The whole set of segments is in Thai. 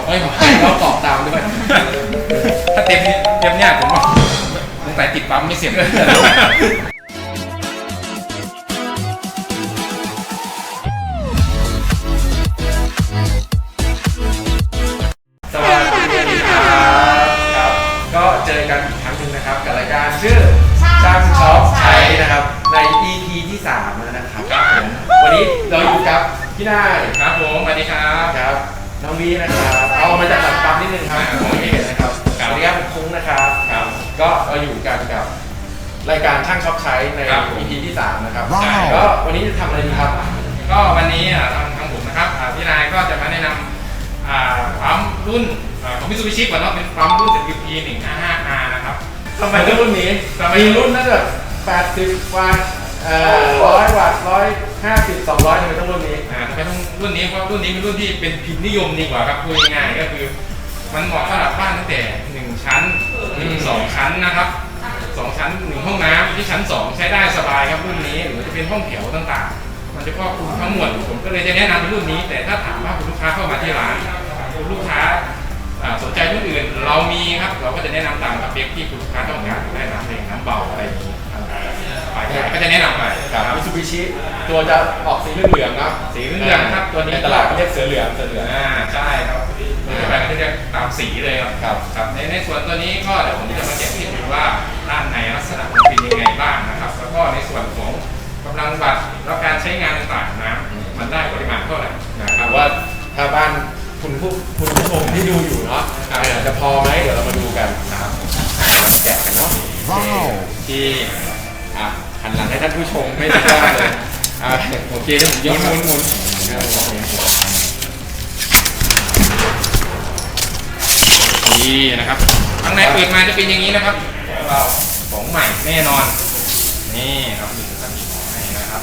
ฮ้ยเราตอบตามด้วยถ้าเต็มเนี่ยผมว่าสงสัยติดปั๊มไม่เสร็จสวัสดีครับก็เจอกันอีกครั้งหนึ่งนะครับกับรายการชื่อช่างช็อปใช้นะครับใน EP ที่3แล้วนะครับผมวันนี้เราอยู่กับพี่นายครับผมสวัสดีครับน้องวีนะครับเอามาจากหลังปั๊มนิดนึงครับผมไม่เห็นนะครับสวัสดีครับผมคุ้งนะครับก็เราอยู่กันกับรายการช่างช็อปใช้ใน EP ที่3นะครับก็วันนี้จะทำอะไรดีครับก็วันนี้ทางผมนะครับพี่นายก็จะมาแนะนำปั๊มรุ่นของมิตซูบิชิก่อนเนาะเป็นปั๊มรุ่น ZQP 155R นะครับทำไมรุ่นนี้มีรุ่นน่าจะ80 วัตต์100 วัตต์150 200ทำไมต้องรุ่นนี้ทำไมต้องรุ่นนี้เพราะรุ่นนี้เป็นรุ่นที่เป็นพิมพ์นิยมดีกว่าครับพูดง่ายๆก็คือมันเหมาะสำหรับบ้านตั้งแต่1ชั้น2ชั้นนะครับ2ชั้น1ห้องน้ำที่ชั้น2ใช้ได้สบายครับรุ่นนี้หรือจะเป็นห้องแถวต่างๆมันจะครอบคลุมทั้งหมดผมก็เลยจะแนะนำรุ่นนี้แต่ถ้าถามว่าคุณลูกค้าเข้ามาที่ร้านคุณลูกค้าสนใจรุ่นอื่นเรามีครับเราก็จะแนะนำตามสเปคที่คุณลูกค้าต้องการได้น้ำแรงน้ำเบาอะไรอย่างนี้ก็จะแนะนำไปครับมิตซูบิชิตัวจะออกสีเหลืองๆนะสีเหลืองครับตัวนี้ในตลาดเรียกเสือเหลืองใช่ครับแบ่งที่เรียกตามสีเลยครับในส่วนตัวนี้ก็เดี๋ยวผมจะมาแจกให้ดูว่าด้านในลักษณะมันเป็นยังไงบ้างนะครับแล้วก็ในส่วนของกำลังวัตต์แล้วการใช้งานต่างๆนะมันได้ปริมาณเท่าไหร่นะครับว่าถ้าบ้านคุณผู้ชมที่ดูอยู่เนาะจะพอไหมเดี๋ยวเรามาดูกันครับแจกกันเนาะว้าวที่หันหลังให้ท่านผู้ชมไม่ได้เลยโอเคแล้วผมยกหมุนนี่นะครับข้างในเปิดมาจะเป็นอย่างนี้นะครับเราของใหม่แน่นอนนี่ครับมีสติของให้นะครับ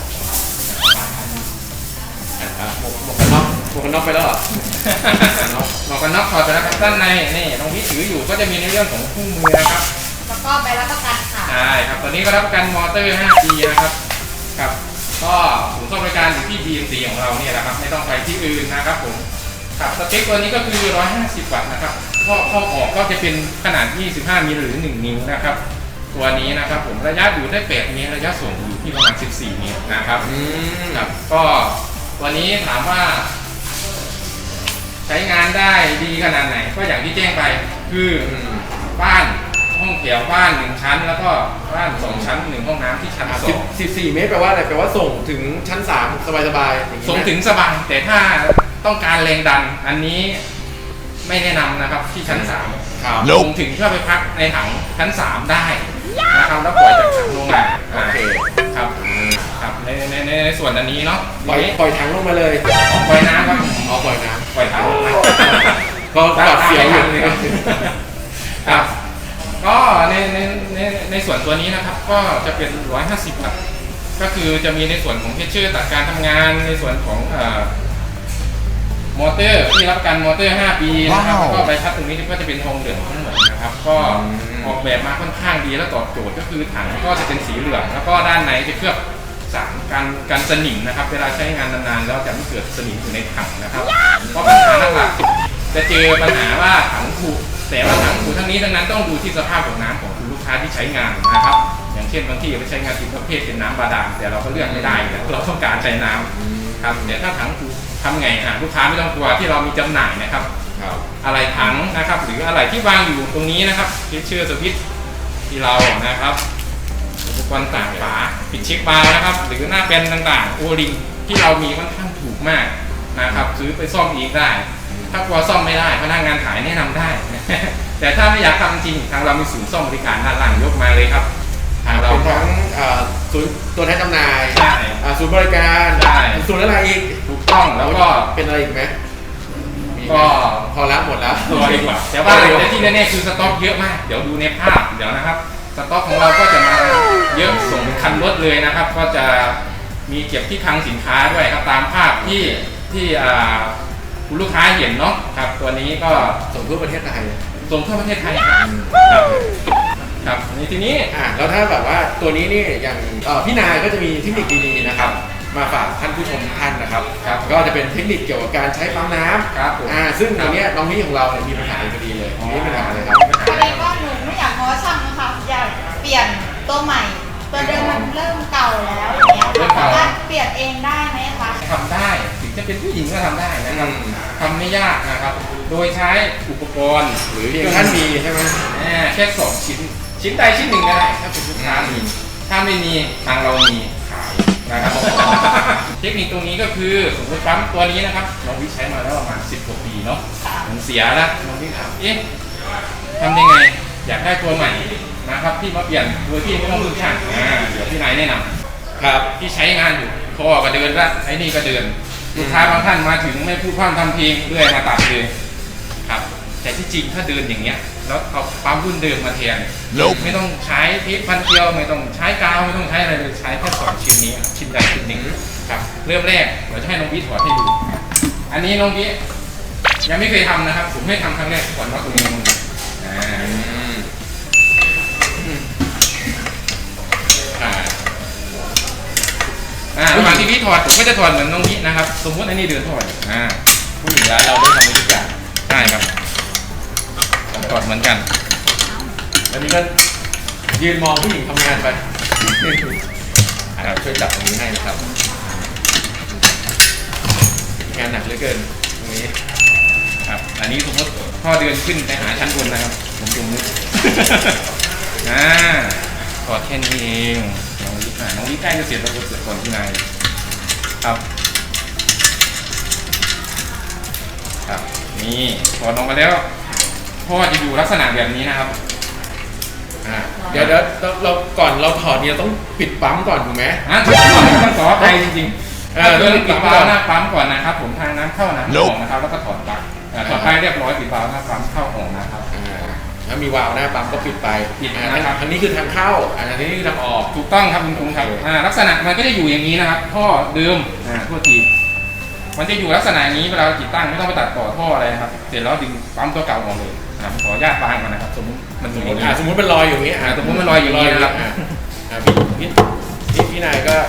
หมวกกันน็อกไปแล้วเหรอหมวกกันน็อกถอดไปแล้วครับด้านในนี่น้องพี่ถืออยู่ก็จะมีในเรื่องของคู่มือนะครับแล้วก็ใบรับประกันค่ะใช่ครับตอนนี้ก็รับประกันมอเตอร์ 5 ปีนะครับครับก็ศูนย์ซ่อมบริการอยู่ที่ BMC ของเราเนี่ยนะครับไม่ต้องไปที่อื่นนะครับผมครับสเปคตัวนี้ก็คือ150 วัตต์นะครับข้อออกก็จะเป็นขนาด25 มิลหรือ1 นิ้วนะครับตัวนี้นะครับผมระยะอยู่ได้8 เมตรระยะส่งอยู่ที่ประมาณ14 เมตรนะครับครับก็ตัวนี้ถามว่าใช้งานได้ดีขนาดไหนก็อย่างที่แจ้งไปคือบ้านห้องแถวบ้าน1ชั้นแล้วก็บ้าน2ชั้น1ห้องน้ำที่ชั้น2 14 เมตรแปลว่าอะไรแปลว่าส่งถึงชั้น3สบายๆส่งถึงสบายแต่ถ้าต้องการแรงดันอันนี้ไม่แนะนำนะครับที่ชั้น3ส่งถึงเพื่อไปพักในถังชั้น3ได้นะครับแล้วปล่อยจากถังลงมาโอเคครับในส่วนอันนี้เนาะปล่อยถังลงมาเลยปล่อยน้ำครับปล่อยน้ำปล่อยถังลงมาก็ปลอดเสียวอยู่เลยครับก็ในส่วนตัวนี้นะครับก็จะเป็น150 วัตต์ก็คือจะมีในส่วนของเพชเชอร์ตัดการทำงานในส่วนของมอเตอร์ที่รับประกันมอเตอร์ 5 ปีนะครับแล้วก็ใบพัดตรงนี้ก็จะเป็นทองเหลืองทั้งหมดนะครับก็ออกแบบมาค่อนข้างดีและตอบโจทย์ก็คือถังก็จะเป็นสีเหลืองแล้วก็ด้านในจะเคลือบสารกันสนิมนะครับเวลาใช้งานนานๆแล้วจะไม่เกิดสนิมอยู่ในถังนะครับเพราะปัญหาหลักๆจะเจอปัญหาว่าถังผุแต่ว่าถังผุทั้งนี้ทั้งนั้นต้องดูที่สภาพของน้ำของคุณลูกค้าที่ใช้งานนะครับอย่างเช่นบางที่ไปใช้งานที่ประเภทเป็นน้ำบาดาลแต่เราก็เลือกไม่ได้เราต้องการใช้น้ำครับแต่ถ้าถังผุทำไงลูกค้าไม่ต้องกลัวที่เรามีจำหน่ายนะครับอะไรถังนะครับหรืออะไรที่วางอยู่ตรงนี้นะครับเพชเชอร์สวิตช์ที่เรานะครับอุปกรณ์ต่างฝาปิดเช็คบาร์นะครับหรือหน้าแปนต่างๆโอริงที่เรามีค่อนข้างถูกมากนะครับซื้อไปซ่อมเองได้ถ้ากลัวซ่อมไม่ได้พนักงานขายแนะนำได้แต่ถ้าไม่อยากทำจริงทางเรามีศูนย์ซ่อมบริการด้านล่างยกมาเลยครับทางเราทั้งศูนย์ตัวแทนจำหน่ายศูนย์บริการศูนย์อะไรอีกถูกต้องแล้วก็เป็นอะไรอีกไหมก็พอแล้วหมดแล้วตัวดีกว่าแต่ว่าที่แน่ๆคือสต็อกเยอะมากเดี๋ยวดูในภาพเดี๋ยวนะครับสต็อกของเราก็จะมาเยอะส่งคันรถเลยนะครับก็จะมีเก็บที่คลังสินค้าด้วยครับตามภาพที่คุณลูกค้าเห็นเนาะครับตัวนี้ก็ส่งทั่วประเทศไทยครับในทีนี้แล้วถ้าแบบว่าตัวนี้นี่อย่างพี่นายก็จะมีเทคนิคดีๆนะครับมาฝากท่านผู้ชมทุกท่านนะครับครับก็จะเป็นเทคนิคเกี่ยวกับการใช้ปั๊มน้ำครับผมซึ่งตรงเนี้ยน้องนี่ของเราเนี่ยมีปัญหาอยู่พอดีเลยมีปัญหาเลยครับพอดีว่าหนูไม่อยากง้อช่างนะคะอยากเปลี่ยนตัวใหม่ ตัวเดิมมันเริ่มเก่าแล้วอย่างเงี้ยค่ะสามารถเปลี่ยนเองได้ไหมคะทำได้ถึงจะเป็นผู้หญิงก็ทำได้นะครับทำไม่ยากนะครับ โดยใช้อุปกรณ์หรือเพียงท่านมีใช่ไหมแค่2ชิ้นใดชิ้นหนึ่งก็ได้ถ้าเป็นลูกค้ามีถ้าไม่มีทางเรามีขายนะครับ เทคนิคตรงนี้ก็คือสมมติปั๊มตัวนี้นะครับน้องวิใช้มาแล้วประมาณ10 กว่าปีเนาะมันเสียแล้วน้องวิถามเอ๊ะทำยังไงอยากได้ตัวใหม่นะครับที่มาเปลี่ยนโดยที่ไม่ต้องพึ่งช่างเดี๋ยวพี่นายแนะนำครับที่ใช้งานอยู่พอก็เดินละไอ้นี่ก็เดินลูกค้าบางท่านมาถึงไม่พูดพร่ำทำเพลงเรื่อยมาตัดเลยครับแต่ที่จริงถ้าเดินอย่างเงี้ยแล้วเอาปั๊มรุ่นเดิมมาแทนไม่ต้องใช้เทปพันเกลียวไม่ต้องใช้กาวไม่ต้องใช้อะไรเลยใช้แค่2ชิ้นนี้ชิ้นใดชิ้นหนึ่งครับเริ่มแรกเราจะให้น้องวิถอดให้ดูอันนี้น้องวิยังไม่เคยทำนะครับผมให้ทำครั้งแรกก่อนว่าตรงนี้มันระหว่างที่พี่ถอดผมก็จะถอดเหมือนน้องวินะครับสมมติอันนี้เดินถอดผู้หญิงร้านเราได้ทำทุกอย่างใช่ครับถอดเหมือนกันอันนี้ก็ยืนมองผู้หญิงทำงานไปช่วยจับตรงนี้ให้นะครับงานหนักเหลือเกินตรงนี้ครับอันนี้สมมติพ่อเดินขึ้นไปหาชั้นบนนะครับผมสมมติ ถอดแค่นี้เองน้องวิใกล้จะเสร็จแล้วก็เสร็จก่อนที่นายครับครับนี่ถอดออกมาแล้วพ่อจะอยู่ลักษณะแบบนี้นะครับเดี๋ยวเราก่อนเราถอดเนี่ยต้องปิดปั๊มก่อนถูกไหมถูกต้องขออภัยจริงๆเริ่มปิดวาล์วหน้าปั๊มก่อนนะครับผมทางน้ำเข้าน้ำออกนะครับแล้วก็ถอดปลั๊กถอดไปเรียบร้อยปิดวาล์วหน้าปั๊มเข้าออกนะครับถ้ามีวาล์วหน้าปั๊มก็ปิดไปปิดนะครับอันนี้คือทางเข้าอันนี้คือทางออกถูกต้องครับคุณครูครับลักษณะมันก็จะอยู่อย่างนี้นะครับท่อเดิมทั่วทีมันจะอยู่ลักษณะนี้เวลาติดตั้งไม่ต้องไปตัดต่อท่ออะไรครับเสร็จแล้วดึงปั๊มตัวเก่าออกเลยขออนุญาตวางก่อนนะครับสมมติมันอยู่อย่างนี้สมมติมันลอยอยู่อย่างนี้สมมติมันลอยอยู่อย่างนี้นะครับพี่นายก็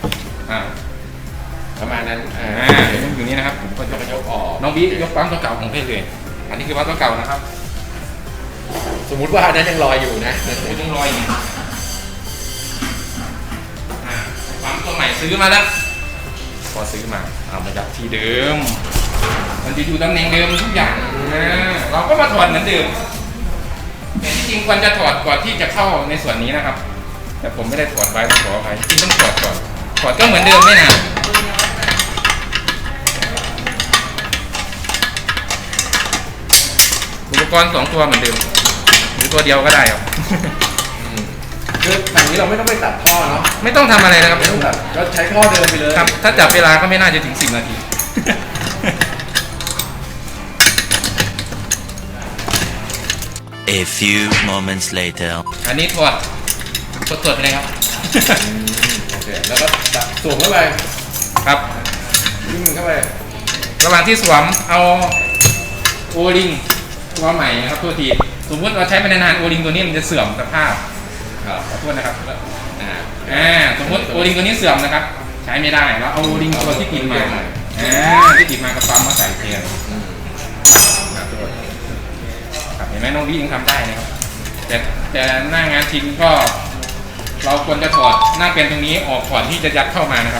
ประมาณนั้นอยู่นี่นะครับผมก็ยกออกน้องบิ๊กยกปั๊มตัวเก่าของเพศเลยอันนี้คือปั๊มตัวเก่านะครับสมมุติว่าอันนั้นยังลอยอยู่นะยังลอยอยู่ปั๊มตัวใหม่ซื้อมาแล้วพอซื้อมาเอามาจากที่เดิมมันจะอยู่ตำแหน่งเดิมทุกอย่างเราก็มาถอดเหมือนเดิมแต่ที่จริงควรจะถอดก่อนที่จะเข้าในส่วนนี้นะครับแต่ผมไม่ได้ถอดไว้ต้องขออภัยจริงต้องถอดก่อนถอดก็เหมือนเดิมไม่นานอุปกรณ์2 ตัวเหมือนเดิมหรือตัวเดียวก็ได้ครับคือแบบนี้เราไม่ต้องไปตัดท่อเนาะไม่ต้องทำอะไรนะครับไม่ต้องตัดก็ใช้ท่อเดิมไปเลยครับถ้าจับเวลาก็ไม่น่าจะถึง10 นาที A few moments later อันนี้ถอดสดๆเลยครับโอเคแล้วก็สวมเข้าไปครับยิงเข้าไประหว่างที่สวมเอาโอลิงตัวใหม่นะครับตัวทีสมมติเราใช้ไปนานๆโอลิงตัวนี้มันจะเสื่อมสภาพขอโทษนะครับสมมติโอลิงตัวนี้เสื่อมนะครับใช้ไม่ได้แล้วเอาโอลิงตัวที่ติดมาที่ติดมากับปั๊มมาใส่แทนเห็นไหมน้องพี่ยังทำได้นะครับแต่หน้างานจริงก็เราควรจะถอดหน้าเป็นตรงนี้ออกก่อนที่จะยัดเข้ามานะครับ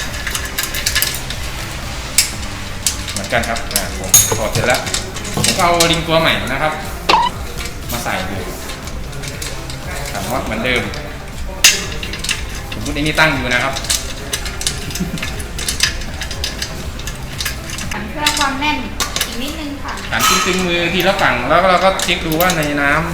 เหมือนกันครับผมถอดเสร็จแล้วผมก็เอาลิงตัวใหม่นะครับมาใส่ดูขันน็อตเหมือนเดิมผมพูดนี้ตั้งอยู่นะครับเพื่อความแน่นอีกนิดนึงค่ะขันตึงๆมือทีละฝั่งแล้วเราก็เช็คดูว่าในน้ำ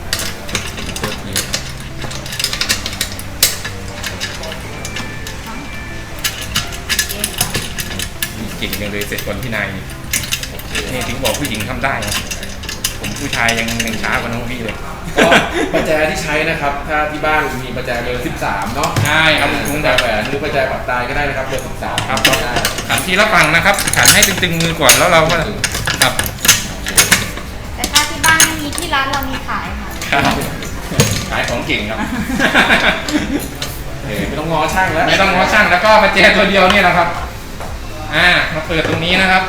เก่งจังเลยเสร็จก่อนพี่นายนี่ถึงบอกผู้หญิงทำได้ผมผู้ชายยังช้ากว่าน้องพี่เลยก็ประแจที่ใช้นะครับถ้าที่บ้านมีประแจเบอร์13เนาะใช่ครับคุณแต่แหวนหรือประแจปักตายก็ได้นะครับเบอร์13 ครับขันทีละฝั่งนะครับขันให้ตึงๆมือก่อนแล้วเราก็ครับแต่ถ้าที่บ้านไม่มีที่ร้านเรามีขายค่ะขายของเก่งครับไม่ต้องง้อช่างแล้วไม่ต้องง้อช่างแล้วก็มาแจตัวเดียวนี่แหละครับมาเปิดตรงนี้นะครับ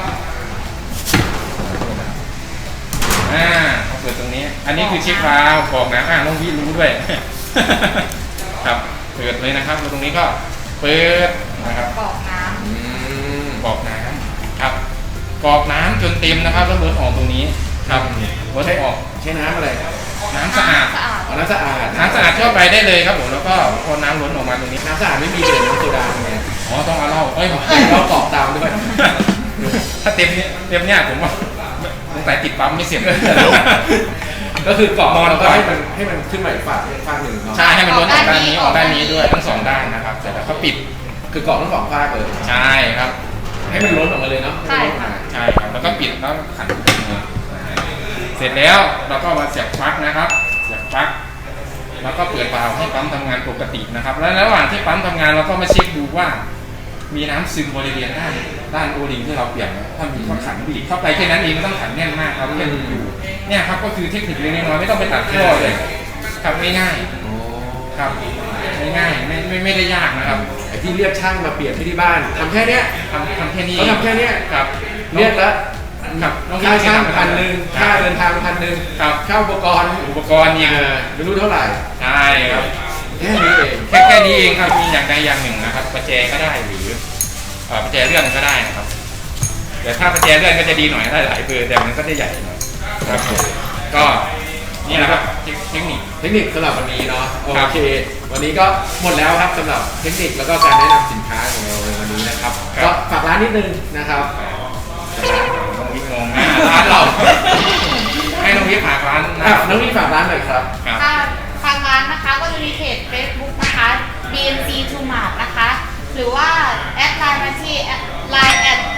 มาเปิดตรงนี้ อันนี้คือเช็ควาล์วบอกนะน้องวิรู้ด้วย ครับเปิดเลยนะครับตรงนี้ก็เปิดนะครับบอกน้กรอกน้ำครับกรอกน้ำจนเต็มนะครับแล้วล้นออกตรงนี้ครับล้นออกใช้น้ำอะไรน้ำสะอาดเอาน้ำสะอาดน้ำสะอาดทั่วไปได้เลยครับผมแล้วก็พอน้ำล้นออกมาตรงนี้น้ำสะอาดไม่มีเดือดน้ำโซดาไงอ๋อต้องเอาเหล้าเอ้ยเรากรอกตามด้วยถ้าเต็มเนี่ยผมว่าสงสัยติดปั๊มไม่เสร็จก็คือกรอกนอนแล้วก็ก่อนให้มันขึ้นมาอีกฝั่งหนึ่งเนาะใช่ให้มันล้นออกด้านนี้ออกด้านนี้ด้วยทั้งสองด้านนะครับเสร็จแล้วก็ปิดคือกรอกทั้งสองฝั่งเลยใช่ครับให้มันล้นออกมาเลยเนาะใช่ค่ะใช่ครับแล้วก็ปิดแล้วขันเสร็จแล้วเราก็มาเสียบปลั๊กนะครับเสียบปลั๊กแล้วก็เปิดวาล์วให้ปั๊มทำงานปกตินะครับแล้วระหว่างที่ปั๊มทำงานเราก็มาเช็คดูว่า มีน้ำซึมบริเวณด้านโอลิงที่เราเปลี่ยนถ้ามีก็ขันบีบเข้าไปแค่นั้นเองไม่ต้องขันแน่นมากครับแค่อยู่เนี่ยครับก็คือเทคนิคเล็กน้อยไม่ต้องไปตัดท่อเลยครับง่ายโอ้ๆครับง่ายๆไม่ได้ยากนะครับไอ้ที่เรียกช่างมาเปลี่ยนที่บ้านทำแค่เนี้ยทำแค่นี้เขาทำแค่เนี้ยครับเรียกแล้วครับน้องค่าช่างพี่ 1,000ค่าเดินทาง1,000 ครับค่าอุปกรณ์อุปกรณ์อีกไม่รู้เท่าไหร่ใช่ครับแค่นี้เองแค่นี้เองครับมีอย่างใดอย่างหนึ่งนะครับประแจก็ได้หรือประแจเลื่อนก็ได้นะครับแต่ถ้าประแจเลื่อนก็จะดีหน่อยได้หลายเบอร์แต่มันก็จะใหญ่หน่อยครับก็นี่แหละครับเทคนิคเทคนิคสำหรับวันนี้เนาะโอครับเค วันนี้ก็หมดแล้วครับสำหรับเทคนิคแล้วก็การแนะนำสินค้าของเราในวันนี้นะครับครับก็ฝากร้านนิดนึงนะครับน้องวิทย์งงร้านเรา ให้น้องวิทย์ฝากร้านนะน้องนี่ฝากร้านหน่อยครับครับำค่ะทางร้านนะคะก็จะมีเพจ Facebook นะคะ BNC To Mart นะคะ หรือว่าแอดไลน์มาที่Line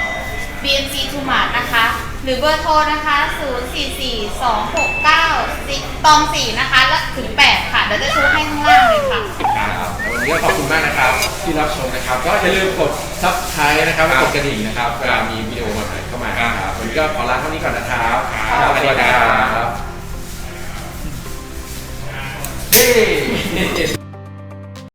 @BNC To Mart นะคะ หรือเบอร์โทรนะคะ 044-269-4นะคะและถึง 8 ค่ะ เดี๋ยวจะชูให้ข้างล่างเลยค่ะครับแล้ววันนี้ก็ขอบคุณมากนะครับที่รับชมนะครับ ก็อย่าลืมกด Subscribe นะครับและกดกระดิ่งนะครับเวลามีวิดีโอใหม่ๆเข้ามาครับวันนี้ก็ขอลาเท่านี้ก่อนนะครับครับสวัสดีครับเฮ้